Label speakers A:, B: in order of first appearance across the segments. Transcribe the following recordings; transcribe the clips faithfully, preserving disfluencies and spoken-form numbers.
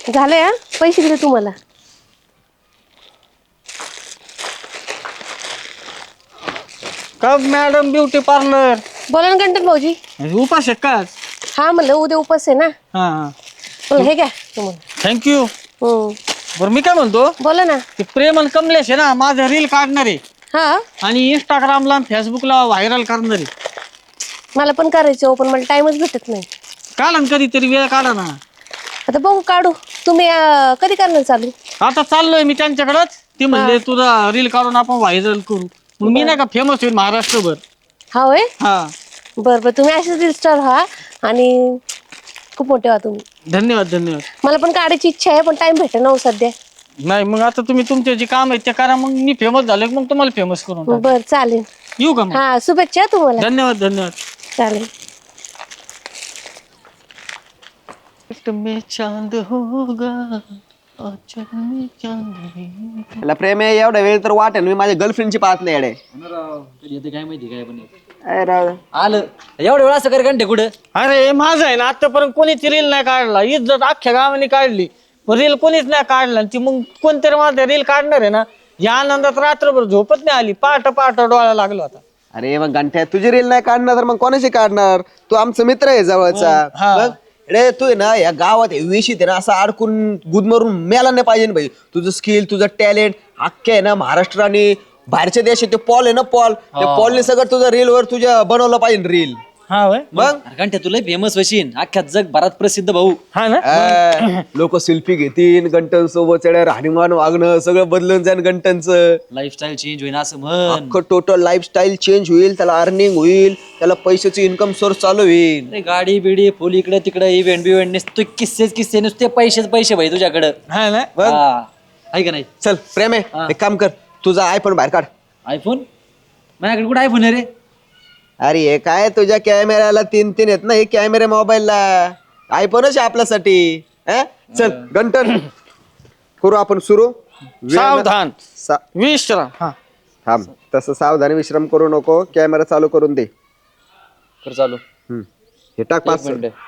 A: झालंय हा पैसे दिले तुम्हाला.
B: का मॅडम ब्युटी पार्लर
A: बोला ना गंटन भाऊजी.
B: उपास आहे का?
A: हा म्हणलं उद्या उपास आहे ना.
B: हा हा
A: बोला हे घ्या तुम्हाला.
B: थँक्यू.
A: हम्म
B: बरं मी काय म्हणतो
A: बोला ना.
B: ते प्रेमल कमलेश आहे ना माझं रील काढणार आहे
A: हा
B: आणि इंस्टाग्रामला फेसबुकला व्हायरल करणार आहे.
A: मला पण करायचं हो पण मला टाइमच भेटत नाही.
B: काढा ना कधीतरी वेळ काढा ना.
A: आता बघू काढू. तुम्ही अं, कधी करणार चालू.
B: आता चाललोय मी त्यांच्याकडेच. ते म्हणले तुझा रील काढून आपण व्हायरल करू. मग मी नाही का फेमस होईल महाराष्ट्रभर.
A: हा होय
B: हा
A: बरं बरं तुम्ही असेच रील स्टार व्हा आणि खूप मोठे व्हा तुम्ही.
B: धन्यवाद धन्यवाद.
A: मला पण काढायची इच्छा आहे पण टाइम भेटेल ना हो सध्या.
B: नाही मग आता तुम्ही तुमचे जे काम आहे ते करा मग मी फेमस झालो की मग तुम्हाला फेमस करून टाकू.
A: बरं चालेल.
B: येऊ का मग?
A: हा शुभेच्छा तुम्हाला.
B: धन्यवाद धन्यवाद.
A: चालेल.
B: में चांद होगा आँचल में चांद.
C: त्याला प्रेम आहे एवढा वेळ तर वाटेल मी माझ्या गर्लफ्रेंडची पाहत नाही येडे.
D: काय माहिती काय पण
C: अरे राव.
D: आलं एवढं वेळ असं कर घंटे कुठं.
B: अरे माझं आहे ना आतापर्यंत कोणीच रील नाही काढला. इज्जत अख्ख्या गावाने काढली रील कोणीच नाही काढला. ती मग कोणतरी माझं रील काढणार आहे ना या आनंदात रात्रभर झोपत नाही आली. पहाट पहाट डोळा लागला होता.
C: अरे मग गंठ्या तुझी रील नाही काढणार तर मग कोणाची काढणार. तू आमचा मित्र आहे जवळचा.
B: हा.
C: बघ रे तू आहे ना या गावात विशीत आहे ना असं अडकून गुदमरून मेला नाही पाहिजे भाई. तुझं स्किल तुझं टॅलेंट अख्खे आहे ना महाराष्ट्र आणि बाहेरच्या देशात ते पॉल आहे ना पॉल त्या पॉलने सगळं तुझं रील वर तुझ्या बनवलं पाहिजे रील.
B: हा वय
C: मग
D: घंटे तुला फेमस वशीन अख्ख्या जग भारत प्रसिद्ध भाऊ.
B: हा ना.
C: लोक सेल्फी घेतील गंटन सोबत राहणीमान वागणं सगळं बदलून जाईल गंटनचं.
D: लाईफस्टाईल चेंज होईन असं म्हण.
C: अख्खं टोटल लाईफस्टाईल चेंज होईल. त्याला अर्निंग होईल. त्याला पैशाची इन्कम सोर्स चालू होईल.
D: अरे गाडी बिडी फुल इकडे तिकडे इव्हेंट बिव्हेंट नुसते किस्सेच किस्से नुसते पैसेच पैसे भाई तुझ्याकडं.
B: हा ना.
C: बघ.
D: हा. आहे का नाही.
C: चल प्रेम आहे एक काम कर तुझा आयफोन बाहेर काढ.
D: आयफोन माझ्याकडे कुठं आयफोन आहे रे.
C: अरे हे काय तुझ्या कॅमेऱ्याला तीन तीन आहेत ना हे कॅमेरे मोबाईलला. आयफोनच आहे आपल्यासाठी. हं? चल गंटन करू आपण सुरू.
B: सावधान
C: सा-
B: विश्राम. हा
C: थांब तसं सावधानी विश्राम करू नको. कॅमेरा चालू करून दे.
D: कर चालू.
C: हम्म. हे टाक पाच
D: एक मिनिट.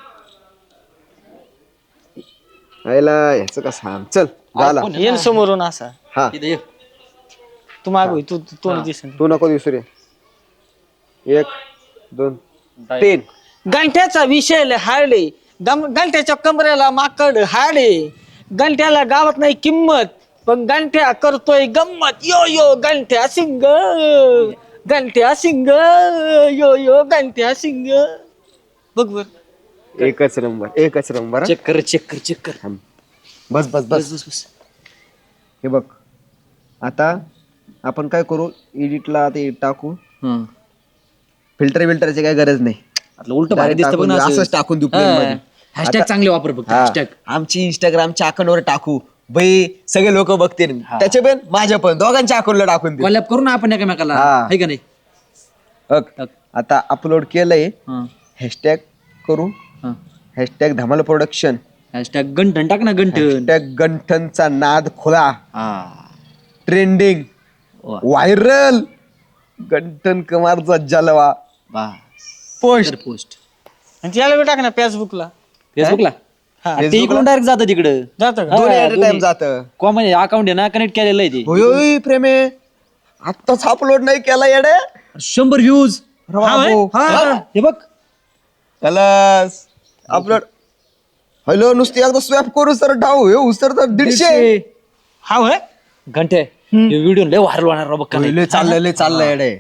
C: आयला ह्याचं कसं हा चल झाला.
D: iPhone
B: येन समोरून असा
C: हा
D: इथं ये.
B: तू मागू तू तू- तोंड दिसेल.
C: तू नको दिसू रे. एक दोन तीन.
B: गंठ्याचा विषय हाडे गंठ्याच्या कमरेला माकड हाडे. गंठ्याला गावात नाही किंमत पण गंठ्या करतोय गंमत. यो यो गंठ्या सिंग गंठ्या सिंग यो यो गंठ्या सिंग. बघ बर.
C: एकच नंबर एकच नंबर.
D: चेक कर चेक कर चेक कर.
C: बस बस बस
D: बस बस.
C: हे बघ आता आपण काय करू एडिटला ते टाकू.
D: हं.
C: फिल्टर बिल्टरची काय गरज नाही.
D: आपलं उलट भारी
C: Direct
D: दिसतं पण
C: टाकून
D: असं.
C: असंच टाकून देऊ
D: हा.
C: plane मध्ये.
D: हॅशटॅग
C: आता-
D: चांगले वापर फक्त
C: हा.
D: हॅशटॅग.
C: आमची इंस्टाग्रामच्या अकाउंटवर टाकू बाई सगळे लोक बघतील. त्याचे पण माझ्या पण दोघांच्या अकाउंटला टाकून दे.
D: कॉलॅब करू ना आपण एकमेकाला.
C: हा.
D: आहे का नाही.
C: बघ आता अपलोड केलंय.
D: हं.
C: हॅशटॅग करू.
D: हं.
C: हॅशटॅग धमाल प्रोडक्शन.
D: हॅशटॅग गंठन टाक ना गंठन.
C: हॅशटॅग गंठनचा नाद खुला.
D: हा.
C: ट्रेंडिंग
D: वा.
C: व्हायरल गंठन कुमारचा जलवा
D: बस.
C: पोस्ट.
D: पोस्ट
B: आणि याला बी टाक ना फेसबुकला.
D: फेसबुकला.
B: हा.
D: ते इकडून डायरेक्ट जातं तिकडं.
B: जातं का?
C: दोन्ही
D: हा,
C: ऍट टाइम
D: दोन्ही.
C: जातं.
D: कॉमन अकाउंट आहे ना कनेक्ट केलेलं आहे ते.
C: होय होय प्रेमे आत्ताच अपलोड नाही केला येडे.
D: शंभर व्ह्यूज.
C: बाबू.
D: हे बघ
C: कलस अपलोड. हॅलो नुसती एकदा स्वॅप करू सर डाव हे उसर तर दीडशे.
B: हा होय.
D: घंटे हे व्हिडिओ लय व्हायरल होणार राव बघ का नाही.
C: लय चाललंय लय चाललंय येडे.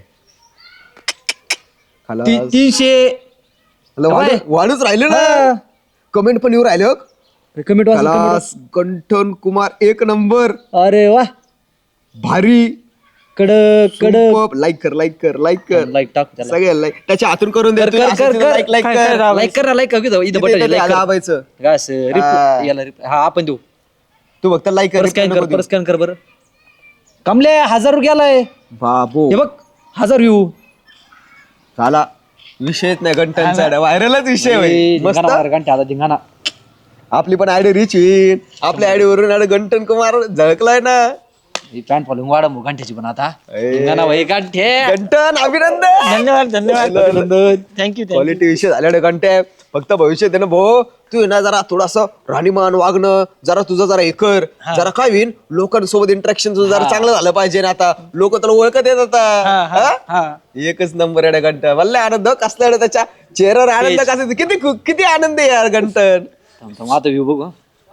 C: खलास.
D: ती- तीनशे
C: हॅलो, वाढ- वाढूच राहिले ना. कमेंट पण येऊ राहिले हो.
D: कमेंट वाच.
C: खलास गंठन कुमार एक नंबर
D: अरे वा
C: भारी
D: कडक कडक.
C: लाईक कर लाईक कर लाईक कर
D: लाईक टाक त्याला.
C: सगळे लाईक त्याच्या हातून करून दे.
D: कर, कर, कर, कर.
C: लाईक लाईक
B: काय- काय
C: कर
B: राव?
D: लाईक कर ना लाईक कर इथं बटन
C: इथे- इथे
D: लाईक कर.
C: दाबायचं.
D: काय असं
C: हा.
D: रिप- याला रिप- हा आपण देऊ.
C: तू फक्त लाईक
D: परत स्कॅन कर परत स्कॅन कर बरं. कमले हजार गेलाय.
C: बाबू
D: हे बघ हजार व्ह्यू.
C: झाला विषयच नाही गंटनचा व्हायरलच विषय होईल. मस्त
D: घंटे आता धिंगाणा.
C: आपली पण आयडी रिच होईल. आपल्या आयडी वरून आयडी गंटन कुमार झळकलाय ना.
D: पॅन्ट फॉलोइंग वाढ मग घंट्याची पण आता.
C: ए.
D: धिंगाणा भाई घंटे.
C: गंटन अभिनंदन.
B: धन्यवाद धन्यवाद थँक्यू थँक्यू.
C: क्वालिटी विषय झाल्याने घंटे फक्त भविष्यात आहे ना भाऊ, तू आहे ना जरा थोडासा राहणीमान वागणं, जरा तुझं जरा हे कर, जरा काय होईन लोकांसोबत इंटरॅक्शन तुझं जरा चांगलं झालं पाहिजे ना. आता लोक तुला ओळखत येत आता. हा? एकच नंबर आहे घंटा. वल्ले आनंद कसला आहे त्याच्या चेहऱ्यावर आनंद कसा, किती किती आनंद आहे यार घंटन.
D: आता व्ह्यू बघ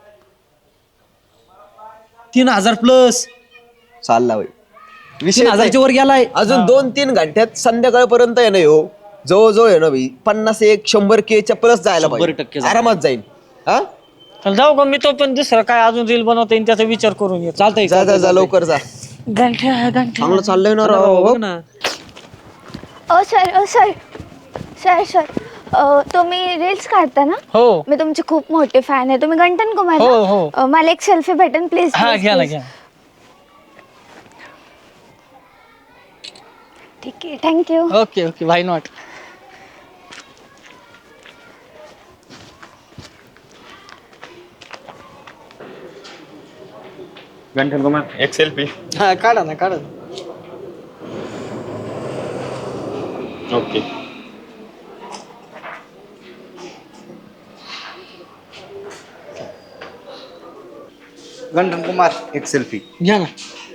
D: तीन हजार प्लस
C: चालला भाई
D: तीन
C: विषय
D: हजारच्या वर गेलाय.
C: अजून दोन तीन घंट्यात संध्याकाळपर्यंत आहे ना हो, जवळजवळ आहे ना भाई पन्नास एक शंभर केच्या प्लस जायला
D: शंभर
C: पाहिजे.
D: टक्के जाईल.
C: आरामात जाईल. हा
B: चल जाऊ का मी तो पण दुसरं काय अजून रील बनवता येईल त्याचा विचार करून येतो.
D: चालतंय
C: जा जा जा लवकर जा.
A: गंठ्या गंठ्या
C: चांगलं चाललंय ना राव.
D: बघ ना.
E: Oh sir oh sir sir sir अ, तुम्ही रील्स काढता ना?
B: हो
E: मी तुमची खूप मोठी फॅन आहे. तुम्ही गंटन कुमार ना?
B: हो, हो.
E: अ, मला एक सेल्फी भेटेन प्लीज.
B: हा घ्या ना घ्या.
E: ठीक आहे thank you.
B: Okay okay why not.
F: Ganthan Kumar एक सेल्फी.
B: हा काढा ना काढा ना.
F: ओके.
G: गंठन कुमार एक सेल्फी.
B: घ्या ना.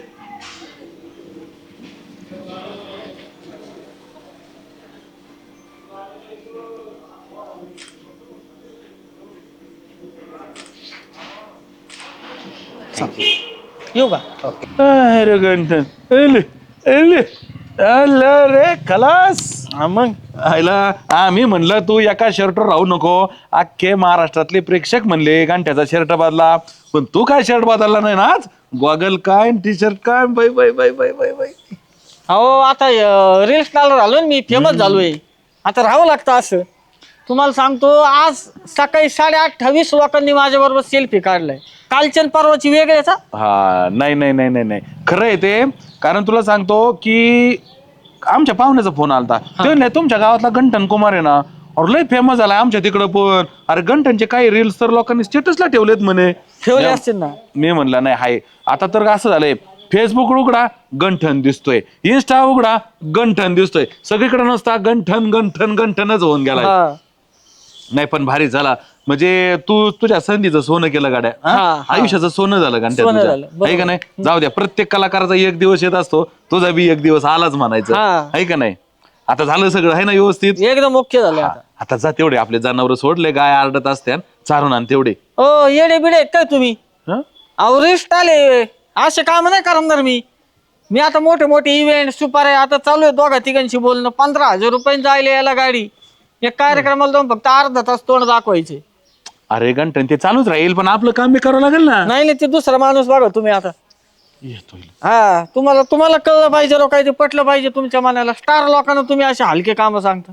B: येऊ का?
H: अरे गंठन एले एले अल्ला रे खलास.
B: हा मग
H: आयला आम्ही म्हणलं तू एका शर्टवर राहू नको. अख्खे महाराष्ट्रातले प्रेक्षक म्हणले घंट्याचा शर्ट बदला, पण तू काय शर्ट बदलला नाही ना आज. गॉगल काय टी शर्ट काय बाई बाई बाई बाई बाई बाई.
B: अहो आता रील स्टार झालो ना मी, फेमस झालोय. आता राहावं लागतं असं. तुम्हाला सांगतो आज सकाळी साडे अठ्ठावीस लोकांनी माझ्या बरोबर सेल्फी काढलाय. कालच्या आणि परवाची वेगळेच.
H: हा नाही नाही नाही नाही नाही खरं आहे ते. कारण तुला सांगतो की आमच्या पाहुण्याचा फोन आलता. ते नाही तुमच्या गावातला गंठन कुमार आहे ना, और लय फेमस झालाय आमच्या तिकडं पण. अरे गंठनचे काही रील्स तर लोकांनी स्टेटसला ठेवलेत म्हणे.
B: ठेवले असतील ना.
H: मी म्हणलं नाही हाय. आता तर असं झालंय, फेसबुक उघडा गंठन दिसतोय, इन्स्टा उघडा गंठन दिसतोय, सगळीकडे नसता गंठन गंठन गंठनच होऊन गेलाय.
B: हा.
H: नाही पण भारी झाला. म्हणजे तू तुझ्या संधीचं सोनं केलं गाड्या.
B: हा,
H: हा?
B: हा.
H: आयुष्याचं सोनं झालं
B: सोनं
H: गंठ्या
B: झालं, बरोबर.
H: आहे का नाही. जाऊ द्या, प्रत्येक कलाकाराचा एक दिवस येत असतो, तुझा बी एक दिवस आलाच म्हणायचं
B: हा.
H: आहे का नाही. आता झालं सगळं आहे ना व्यवस्थित.
B: एकदम मुख्य झाले
H: हा.
B: आता.
H: आता जा तेवढे आपले जनावर सोडले, गाय आरडत असत्या चारून आण तेवढे.
B: ओ येडे बिडे आहेत काय तुम्ही?
H: हं?
B: अहो रिस्ट आले असे काम नाही करणार मी. मी आता मोठे मोठे इव्हेंट सुपार आहे आता चालू आहे दोघा तिघांशी बोलणं. पंधरा हजार रुपये जायला यायला गाडी. एक कार्यक्रमाला जाऊन फक्त अर्धा तास तोंड दाखवायचे.
H: अरे गंठन ते चालूच राहील, पण आपलं काम बी करावं लागेल ना.
B: नाही नाही ते दुसरा माणूस बघा तुम्ही आता.
H: येतोय.
B: हा तुम्हाला तुम्हाला कळलं पाहिजे राव, काय ते पटलं पाहिजे तुमच्या मनाला. स्टार लोकांना तुम्ही असे हलके काम सांगता.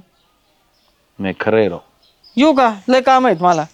H: नाही खरं आहे राव.
B: येऊ का? लय काम आहेत मला.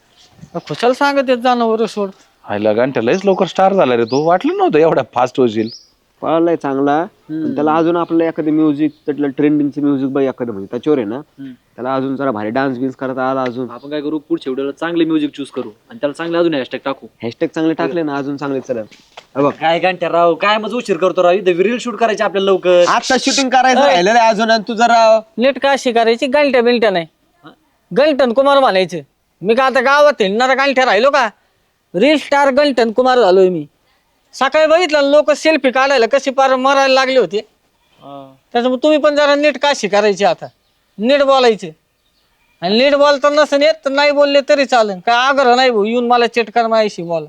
B: खुशाल सांगत येत जाणं सोड.
H: हायला गंठ्या लयच लवकर स्टार झाला रे तू. वाटलं नव्हतं एवढा फास्ट होशील.
C: पळालाय चांगला. पण त्याला अजून आपलं एखादं म्युझिक, त्यातलं ट्रेंडिंगचं म्युझिक बाई एखादं म्हणजे त्याच्यावर आहे ना, त्याला अजून जरा भारी डान्स बिन्स करता आला अजून.
D: आपण काय करू, पुढच्या व्हिडिओला चांगले म्युझिक चूज करू आणि त्याला चांगले अजून हॅशटॅग टाकू.
C: हॅशटॅग चांगले टाकले ना अजून चांगले चला. बघ
D: काय घंट्या राव, काय मग उशीर करतो राव. इथे रील शूट करायचे आपल्याला लवकर.
C: आता शूटिंग करायचं राहिलेलं आहे अजून. आणि तू जरा
B: नीट का अशी करायची? गंठ्या बिलट्या नाही, गंठन कुमार म्हणायचं. मी का आता गावात हिंडणारा गंठ्या राहिलो का? रील स्टार गंठन कुमार झालोय मी. सकाळी बघितलं लोक सेल्फी काढायला कशी पार मरायला लागले होते. त्याच्यामुळे तुम्ही पण जरा नीट काशी करायची. आता नीट बोलायचे. आणि नीट बोलता नसेल येत तर नाही बोलले तरी चालेल. काय आग्रह नाही भाऊ येऊन मला चेटकार माहिशी बोला.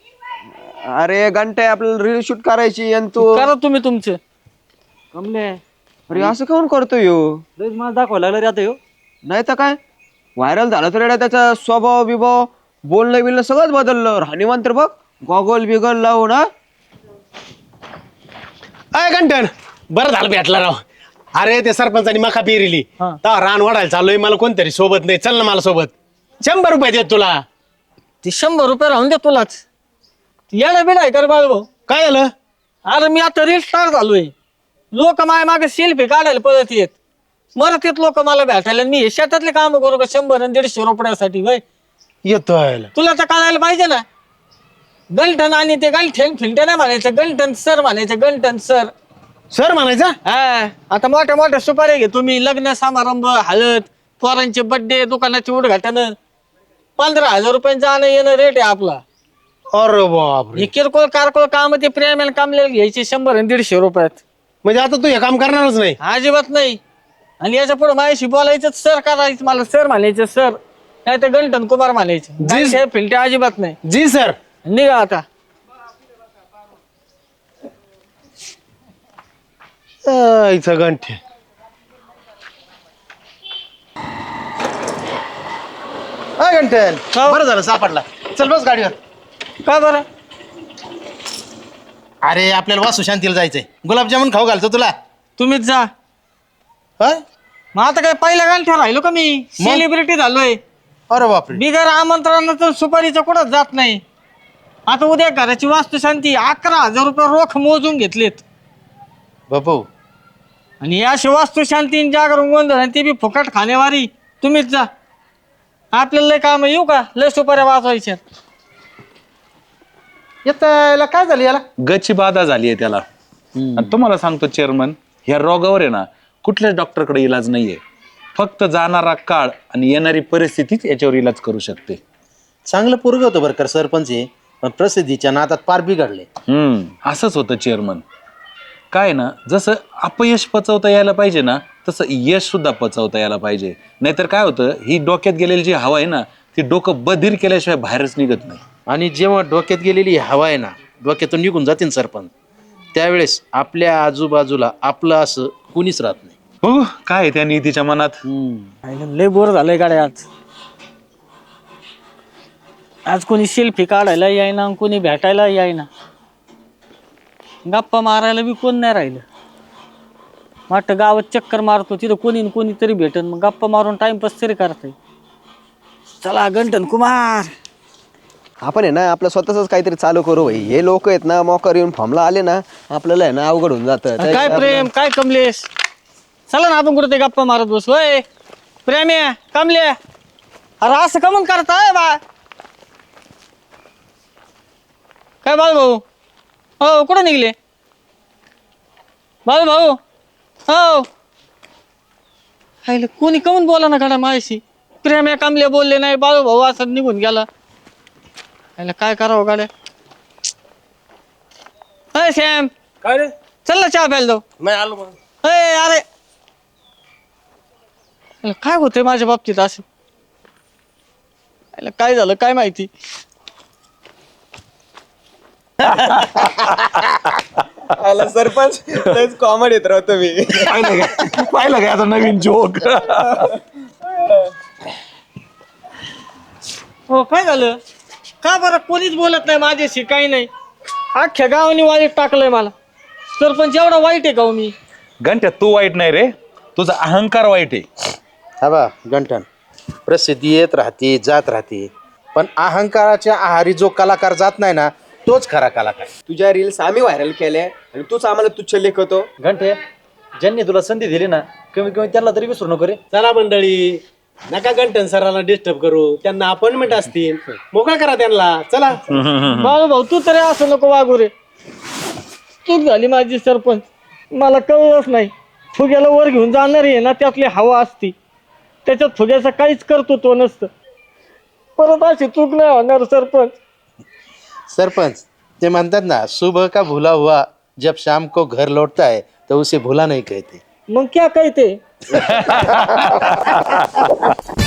C: अरे घंटे आपल्याला रील शूट करायची आणि तू
B: करा तुम्ही तुमचं.
D: कमले
C: अरे असं काऊन करतोय ह्यो?
D: लयच मला दाखवायला लागलं रे आता ह्यो.
C: नाही तर काय व्हायरल झालं तर येडा त्याचा स्वभाव बिभाव बोलणं बिलणं सगळंच बदललं. राहणीमान तर बघ गॉगल बिगल लावून. हा
I: अय गंटन बरं झालं भेटला राव. अरे ते सरपंचानी मका पेरिली तेव्हा रान वाढायला चाललोय. मला कोणतरी सोबत नाही, चल ना मला सोबत. शंभर रुपये देत तुला.
B: ते शंभर रुपये राहून दे तुलाच. येणं बिड आहे कर बाळ भाऊ.
I: काय झालं?
B: अरे मी आता रील स्टार झालोय. लोक माय मागे सेल्फी काढायला पळत येत. मरत येत लोक मला भेटायला. मी हे शेतातले काम करू का शंभर आणि दीडशे रुपयासाठी? वय
I: येतोय
B: तुला तर कळायला पाहिजे ना. गंठन आणि ते गंठन फिंटे नाही म्हणायचं, गंठन सर म्हणायचं. गंठन सर
I: सर म्हणायचा.
B: हा आता मोठ्या मोठ्या सुपारी घे तुम्ही. लग्न समारंभ हळद पोरांचे बड्डे दुकानाचे उद्घाटन पंधरा हजार रुपये जाणं येणं रेट आहे आपला.
I: अरे बापरे.
B: हे किरकोळ कारकोळ काम ते प्रेम कामले घ्यायचे शंभर आणि दीडशे रुपयात.
I: म्हणजे आता तू हे काम करणारच नाही?
B: अजिबात नाही. आणि याच्या पुढे माझ्याशी बोलायचं सर करायचं, मला सर म्हणायचं सर, नाही तर गंठन कुमार म्हणायचं. फिल्टे अजिबात नाही.
I: जी सर.
B: निघा आता.
I: इथं गंठे. गंठन बरं झालं सापडला. चल बस गाडीवर.
B: का बरं?
I: अरे आपल्याला वासू शांतीला जायचंय. गुलाबजामुन खाऊ घालतो तुला.
B: तुम्हीच जा. मग आता काय पहिल्या गांठ्या राहिलो का मी? सेलिब्रिटी झालोय.
I: अरे बापरे.
B: बिगर आमंत्रणाचं सुपारीचं कुठंच जात नाही. आता उद्या घराची वास्तुशांती अकरा हजार रुपये रोख मोजून घेतलेत
I: बापू.
B: आणि या वास्तुशांती जागरण गोंधळ आणि ते बी फुकट खाणेवारी. तुम्हीच जा. आपल्याला लय काम येऊ का? लय सुपाऱ्या वाजवायच्या.
I: याला काय झालं? याला
H: गची बाधा झाली आहे त्याला. आणि तुम्हाला सांगतो चेअरमन, ह्या रोगावर आहे ना कुठल्याच डॉक्टरकडे इलाज नाहीये. फक्त जाणारा काळ आणि येणारी परिस्थितीच याच्यावर इलाज करू शकते.
G: चांगलं पोरग होतं बरं का सरपंच आहे, पण प्रसिद्धीच्या नादात पार बिघडले.
H: हम्म असंच होतं चेअरमन. काय ना, जसं अपयश पचवता यायला पाहिजे ना, तसं यश सुद्धा पचवता यायला पाहिजे. नाहीतर काय होतं, ही डोक्यात गेलेली जी हवा आहे ना, ती डोकं बधीर केल्याशिवाय बाहेरच निघत नाही.
G: आणि जेव्हा डोक्यात गेलेली हवा आहे ना डोक्यातून निघून जाते सरपंच, त्यावेळेस आपल्या आजूबाजूला आपलं असं कुणीच राहत नाही.
H: हो, काय आहे त्या नीतीच्या मनात.
B: लय बोर झालंय गाड्या. आज आज कोणी सेल्फी काढायला यायना, कोणी भेटायला यायना, गप्पा मारायला बी कोण नाही राहिलं. वाटतं गावात चक्कर मारतो तिथं कोणी कोणी तरी भेटन, मग गप्पा मारून टाइमपास तरी करताय. चला गंठन कुमार,
C: आपण आहे ना आपलं स्वतःच काहीतरी चालू करू भाई. हे लोक आहेत ना मोकर येऊन फॉर्मला आले ना, आपल्याला आहे ना अवघड होऊन जातं.
B: काय प्रेम काय कमलेश. चला ना आपण कुठे ते गप्पा मारत बसू. होय प्रेम आहे कमले, अरे असं कमून करताय बा. काय बाळ भाऊ, हो कुठं निघले बाळ भाऊ? हो कोणी कमून बोला ना घडा माझ्याशी. प्रेम आहे कमले बोलले नाही, बाळू भाऊ असं निघून गेला. काय करावं गाड्या. अय सॅम,
I: काय रे?
B: चल ना चहा प्यायला जाऊ.
I: नाही आलो मग.
B: अय अरे काय होतंय माझ्या बाबतीत असं. काय झालं काय माहिती.
C: सरपंच कॉमेडी येत राहतो मी.
H: पाहिलं काय आता नवीन जोक.
B: हो काय झालं का बरं? कोणीच बोलत नाही माझ्याशी, काही नाही. अख्ख्या गावाने वाईट टाकलंय मला. सरपंच एवढा वाईट आहे का मी?
H: घंट्या तू वाईट नाही रे, तुझा अहंकार वाईट आहे.
G: हा बा गंठन, प्रसिद्धी येत राहते जात राहते, पण अहंकाराच्या आहारी जो कलाकार जात नाही ना तोच खरा कलाकार.
C: तुझ्या रील्स आम्ही व्हायरल केल्या आणि तूच आम्हाला तुच्छ लेखतो.
D: घंटे, ज्यांनी तुला संधी दिली ना, कमी कमी त्यांना तरी विसरू नको रे.
I: चला मंडळी, नका गंठन सरांना डिस्टर्ब करू. त्यांना अपॉइंटमेंट असतील, मोकळा करा त्यांना. चला.
B: बाळू भाऊ तू तरी असं नको वागू रे. चूक झाली माझी सरपंच, मला कळलंच नाही. फुग्याला वर घेऊन जाणार आहे ना, त्यातली हवा असती, त्याच्यात फुग्याचं काहीच कर्तृत्व नसतं. परत अशी चूक नाही होणार सरपंच.
G: सरपंच ते म्हणतात ना, सुबह का भूला हुआ जब शाम को घर लौटता है तो उसे भूला नहीं कहते.
B: मग क्या कहते